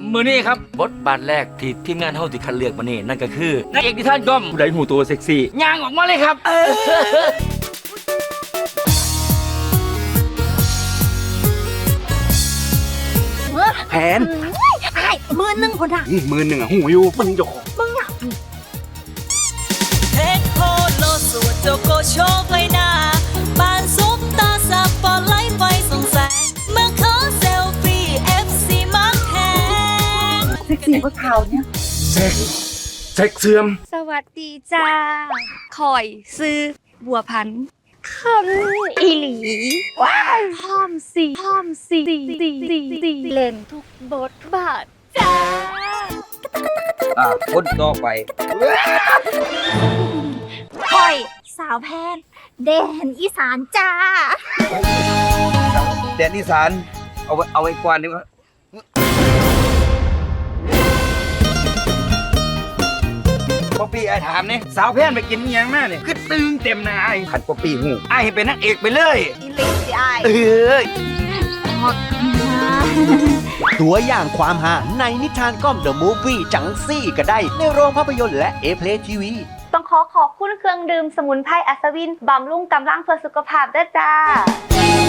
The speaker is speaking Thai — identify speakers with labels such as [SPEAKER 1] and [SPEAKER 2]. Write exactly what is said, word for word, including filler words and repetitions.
[SPEAKER 1] มือนี้ครับบทบาทแรกที่ทีมงานเฮาที่คัดเลือกมานี่นั่นก็คือนางเอกนิทานก้อมผู้ใดหูตัวเซ็กซี่ย่างออกมาเลยครับ
[SPEAKER 2] แผน
[SPEAKER 3] ไอ้มือหนึ่งคนอ่ะ
[SPEAKER 2] หมื่นหนึ่งอ่ะหูอยู่มึงจะของ
[SPEAKER 3] มึงอ่ะ
[SPEAKER 4] เทคโพโลสวดโจโกโชคเลยนะบานซุปตาสปอตไลท์ไฟส่องแสงเมื่อขอเซลฟี่เอฟซีมักแทง
[SPEAKER 3] เซ็กซี่กว่าเขาเนี่ย
[SPEAKER 2] เซ็กเซ็กเสื่อม
[SPEAKER 5] สวัสดีจ้าคอยซื้อบัวพันธุ์คันอีหลีว้ายพร้อมสีพร้อมสีสีสีสีสีเล่นทุกบทบาทจ้า
[SPEAKER 2] อ่าคนต่อไป
[SPEAKER 3] คอยสาวแพนแดนอีสานจ้า
[SPEAKER 2] แดนอีสานเอาไว้เอาไว้กวานดีกว่าป๊อปปี้ไอ้ถามเนี่ยสาวแพนไปกินอิหยังมาเนี่ยคือตึงเต็มหน้าไอ้ขันป๊อปปี้หูไอ้ให้เป็นนักเอกไปเลย
[SPEAKER 3] อีลิสิไอ
[SPEAKER 2] เอ้ย
[SPEAKER 6] ตัวอย่างความหาในนิทานก้อมเดอะมูฟวี่จังซี่ก็ได้ในโรงภาพยนตร์และเอเพลทีวี
[SPEAKER 5] ต้องขอขอบคุณเครื่องดื่มสมุนไพรอัศวินบำรุงกำลังเพื่อสุขภาพด้วยจ้า